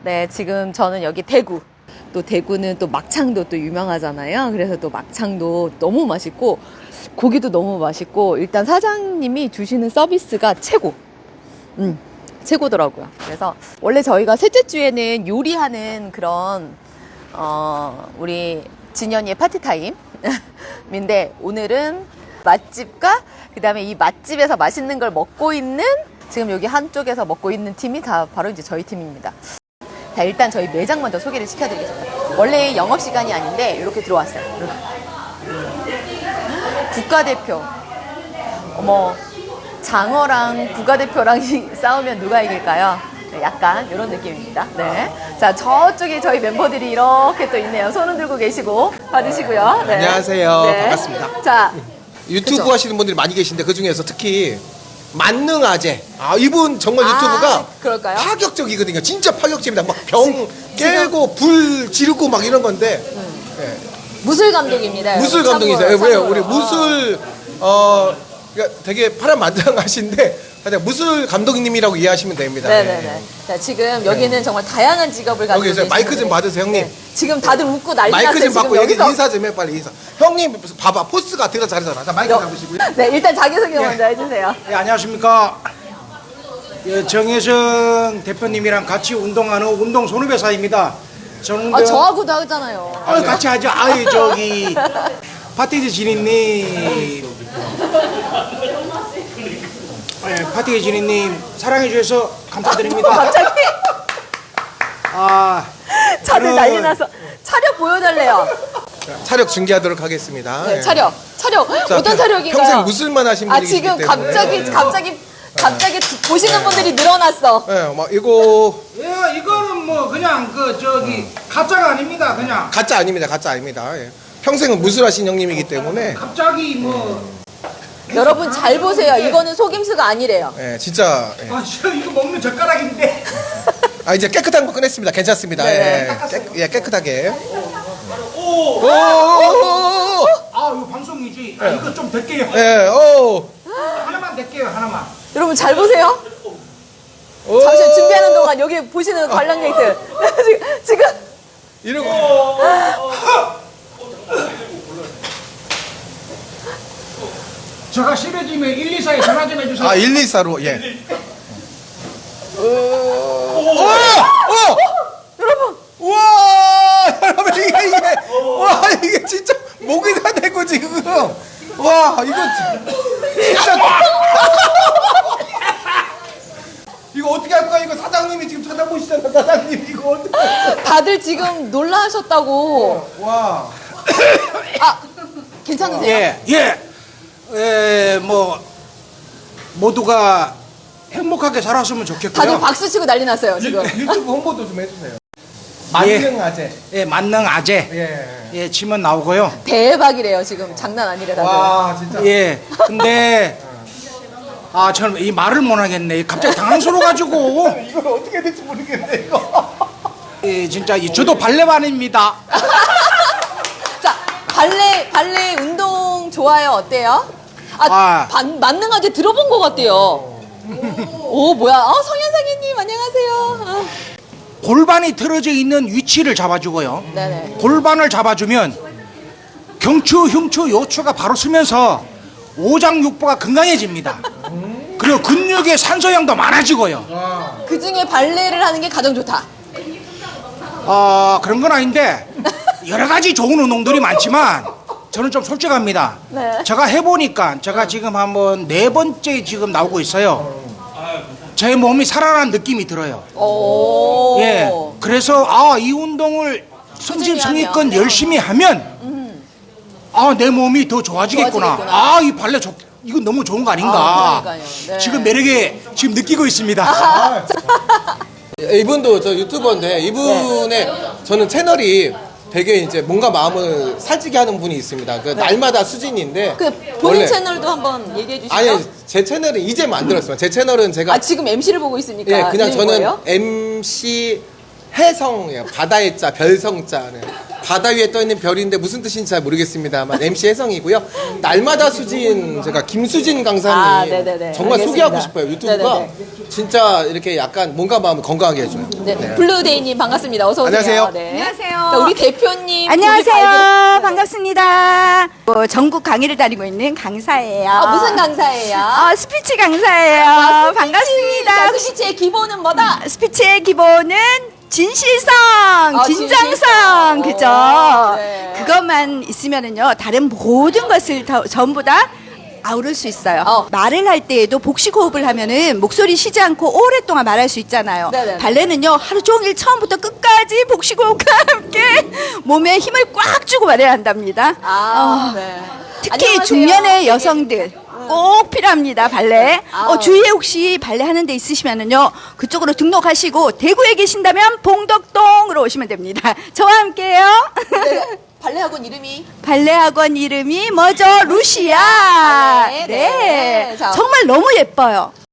네, 지금 저는 여기 대구. 또 대구는 또 막창도 또 유명하잖아요. 그래서 또 막창도 너무 맛있고 고기도 너무 맛있고 일단 사장님이 주시는 서비스가 최고. 최고더라고요. 그래서 원래 저희가 셋째 주에는 요리하는 그런 우리 진현이의 파티타임인데 오늘은 맛집과 그 다음에 이 맛집에서 맛있는 걸 먹고 있는 지금 여기 한쪽에서 먹고 있는 팀이 다 바로 이제 저희 팀입니다. 자, 일단 저희 매장 먼저 소개를 시켜드리겠습니다. 원래 영업시간이 아닌데 이렇게 들어왔어요. 이렇게. 국가대표. 어머, 장어랑 국가대표랑 싸우면 누가 이길까요? 네, 약간 이런 느낌입니다. 네. 자, 저쪽에 저희 멤버들이 이렇게 또 있네요. 손은 들고 계시고 봐주시고요. 네. 안녕하세요. 네. 반갑습니다. 자, 유튜브 그쵸? 하시는 분들이 많이 계신데 그 중에서 특히 만능아재. 이분 정말 유튜브가 그럴까요? 파격적이거든요. 진짜 파격적입니다. 막 병 깨고 불 지르고 막 이런 건데. 네. 무술 감독입니다. 무술 여러분. 감독이세요. 참고로, 왜요? 참고로. 우리 무술 그러니까 되게 파란만장하신데 그냥 무술 감독님이라고 이해하시면 됩니다. 네네네. 네. 자, 지금 여기는 정말 다양한 직업을 가지고 여기 마이크 좀 계시는데 받으세요, 형님. 네. 지금 다들 웃고 난리 마이크 났어요. 좀 받고 지금 여기 여기서. 인사 좀 해, 빨리 인사. 형님 봐봐, 포스가 되게 잘하잖아. 자, 마이크 잡으시고요. 네, 일단 자기소개 먼저 해주세요. 예, 안녕하십니까. 예, 정혜성 대표님이랑 같이 운동하는 운동 손후배사입니다. 저는 저하고도 하잖아요. 같이 하죠. 아이 저기 파티즈 진희님, 파티즈 진희님 사랑해 주셔서 감사드립니다. 갑자기 다들 저는- 난리 나서 차력 보여달래요. 차력 중계하도록 하겠습니다. 네, 예. 차력. 자, 어떤 차력인가요? 평생 무술만 하신 분이 계시기 지금 때문에. 갑자기 보시는 분들이 늘어났어. 예, 막 이거 예, 이거는 뭐 그냥 그 저기 가짜가 아닙니다. 그냥 가짜 아닙니다. 가짜 아닙니다. 예. 평생은 무술하신 형님이기 때문에 갑자기 뭐 여러분 잘 보세요. 이거는 속임수가 아니래요. 예, 진짜 예. 이거 먹는 젓가락인데. 이제 깨끗한 거 꺼냈습니다. 괜찮습니다. 네. 깨끗하게. 오. 오, 이거 방송이지. 이거 좀 될게요. 예, 오, 하나만 될게요. 하나만. 여러분 잘 보세요. 오. 잠시 준비하는 동안 여기 보시는 관람객들 지금 이러고. 제가 심해지면 124에 전화 좀 해주세요. 124로 예. 여러분 와, 여러분 와 이게 진짜 목이 다 되고 지금 와 이거 진짜 이거 어떻게 할 거야? 이거 사장님이 지금 쳐다보시잖아. 사장님 이거 어떻게 다들 지금 놀라셨다고. 와 괜찮으세요? 뭐 모두가 행복하게 살았으면 좋겠고요. 다들 박수 치고 난리 났어요 지금. 유튜브 홍보도 좀 해주세요. 만능아재. 예, 만능 아재. 예. 예, 치면 나오고요. 대박이래요 지금. 장난 아니래 다들. 와 진짜. 예, 근데 저는 이 말을 못 하겠네. 갑자기 당황스러워가지고. 이걸 어떻게 해야 될지 모르겠네 이거. 예, 진짜 저도 발레반입니다. 자, 발레 운동 좋아요? 어때요? 만능아재 들어본 것 같대요. 오, 뭐야? 성현상희님, 안녕하세요. 골반이 틀어져 있는 위치를 잡아주고요. 네네. 골반을 잡아주면 경추, 흉추, 요추가 바로 쓰면서 오장육부가 건강해집니다. 그리고 근육의 산소량도 많아지고요. 그 중에 발레를 하는 게 가장 좋다. 그런 건 아닌데 여러 가지 좋은 운동들이 많지만 저는 좀 솔직합니다. 네. 제가 해보니까 제가 지금 한번 4번째 지금 나오고 있어요. 제 몸이 살아난 느낌이 들어요. 오. 예. 그래서 이 운동을 성심성의껏 하면. 열심히 하면 내 몸이 더 좋아지겠구나. 좋아지겠구나. 이 발레 이거 너무 좋은 거 아닌가. 그러니까요. 네. 지금 매력에 지금 느끼고 있습니다. 이분도 저 유튜버인데 이분의 저는 채널이 되게 이제 뭔가 마음을 살찌게 하는 분이 있습니다. 그 날마다 수진인데 그 본인 채널도 한번 얘기해 주시죠. 아니 제 채널은 이제 만들었어요. 제 채널은 제가 지금 MC를 보고 있으니까. 예 그냥 이름이 저는 뭐예요? MC 해성이에요. 바다의 자 별성자는 바다 위에 떠 있는 별인데 무슨 뜻인지 잘 모르겠습니다만 MC 해성이고요. 날마다 수진 제가 김수진 강사님 네네네. 정말 알겠습니다. 소개하고 싶어요. 유튜브가 네네네. 진짜 이렇게 약간 몸과 마음을 건강하게 해줘요. 네. 블루데이님 반갑습니다. 어서 오세요. 안녕하세요. 네. 안녕하세요. 자, 우리 대표님. 안녕하세요. 우리 반갑습니다. 전국 강의를 다니고 있는 강사예요. 무슨 강사예요? 스피치 강사예요. 자, 반갑습니다. 스피치의 기본은 뭐다? 스피치의 기본은 진실성, 진정성, 진실성. 그죠? 네. 그것만 있으면은요, 다른 모든 것을 전부 다 아우를 수 있어요. 말을 할 때에도 복식 호흡을 하면은 목소리 쉬지 않고 오랫동안 말할 수 있잖아요. 네네네. 발레는요, 하루 종일 처음부터 끝까지 복식 호흡과 함께 몸에 힘을 꽉 주고 말해야 한답니다. 네. 특히 안녕하세요. 중년의 여성들 꼭 필요합니다, 발레. 아우. 주위에 혹시 발레 하는 데 있으시면은요, 그쪽으로 등록하시고 대구에 계신다면 봉덕동으로 오시면 됩니다. 저와 함께요. 네. 발레 학원 이름이 발레 학원 이름이 뭐죠? 루시아. 아, 네. 네. 자. 정말 너무 예뻐요.